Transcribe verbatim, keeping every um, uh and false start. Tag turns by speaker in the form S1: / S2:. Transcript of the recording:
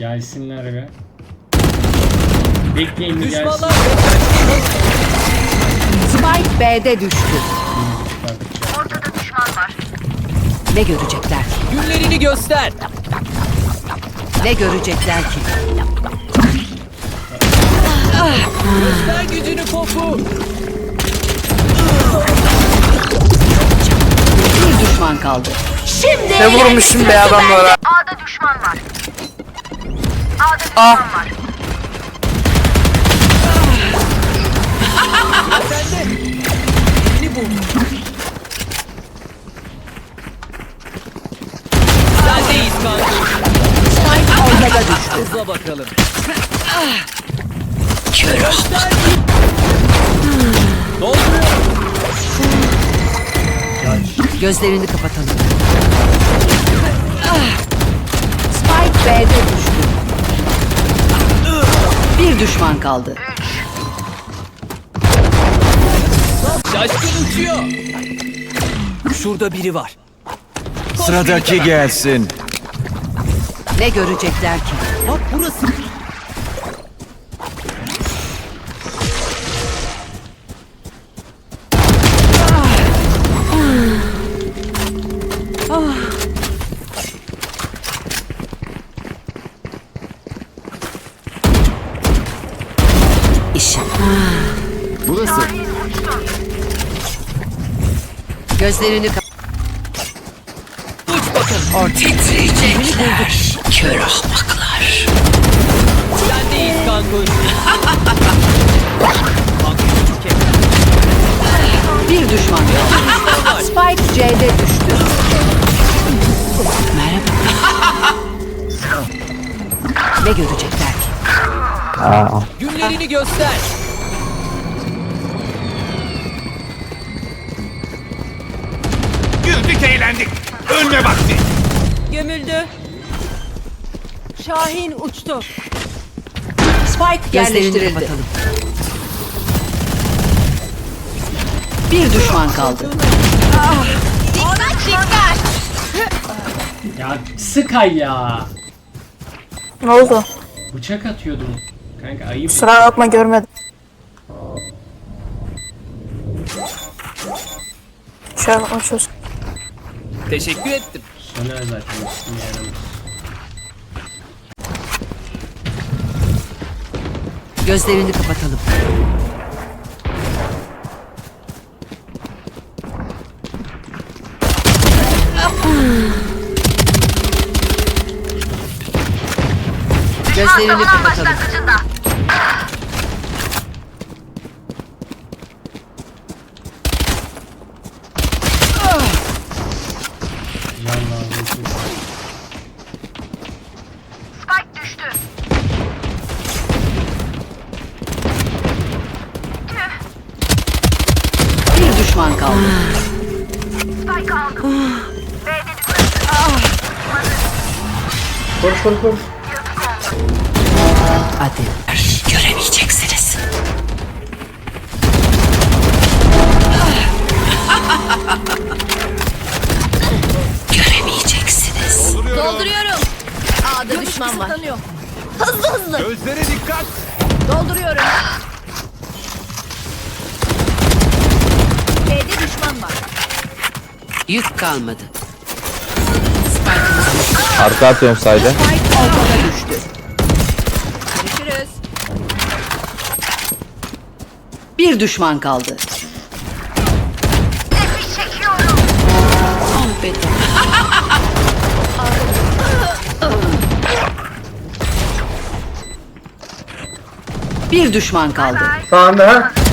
S1: Gelsinler be. Bekleyin bir gelsin.
S2: Düşmanlar
S3: Spike B'de düştü.
S4: Ortada düşman var.
S3: Ne görecekler ki?
S2: günlerini göster.
S3: Ne görecekler ki?
S2: Göster gücünü Popu.
S3: Bir düşman kaldı. Şimdi
S5: Ne vurmuşum be adamlara.
S4: A'da düşman var. A'da düşman
S5: Ah.
S4: var.
S2: Sen de. Birini bul. Sendeyiz kanka.
S3: Spike ortada düştü.
S2: Hızla bakalım.
S3: Kör
S2: Göster. Dolduruyor.
S3: Gözlerini kapatalım. Spike B'de düştü. Bir düşman kaldı.
S2: Şaşkın uçuyor. Şurada biri var.
S6: Sıradaki gelsin.
S3: Ne görecekler ki?
S2: Bak burası.
S3: İşim.
S6: Burası.
S3: Gözlerini kapat.
S2: Uç bakalım.
S3: Titriyecekler. Kör ahmaklar.
S2: Sendeyiz kanka. Kanka küçük kek.
S3: Bir düşman kaldı. Spike C'de düştü. Merhaba. Ne görecekler ki?
S2: Günlerini göster.
S6: Güldük eğlendik. Ölme vakti.
S7: Gömüldü. Şahin uçtu.
S3: Spike yerleştirildi. Bir düşman kaldı.
S1: Ya Sky ya.
S5: Ne oldu?
S1: Bıçak atıyordum. Kanka ayıp.
S5: Kusura bakma görmedim. Şöyle bakma çöz.
S2: Teşekkür ettim.
S1: Söner zaten. İsmini yaramaz.
S3: Gözlerini kapatalım. Gözlerini
S4: Savunan
S3: kapatalım.
S4: başlangıcında.
S1: Can lazım.
S4: Spike düştü.
S3: Bir düşman kaldı.
S4: Spike aldım. B'de düşman.
S1: Koş koş koş.
S3: Hadi. Göremeyeceksiniz. Göremeyeceksiniz.
S7: Dolduruyorum. A'da düşman var. Hızlı hızlı.
S6: Gözlere dikkat.
S7: Dolduruyorum. B'de düşman var.
S3: Yük kalmadı.
S8: Arka atıyorum sayda.
S3: Spike ortada düştü.
S7: Görüşürüz.
S3: Bir düşman kaldı.
S4: Nefes çekiyorum.
S3: Ah be. Bir düşman kaldı.
S1: Sağında ha.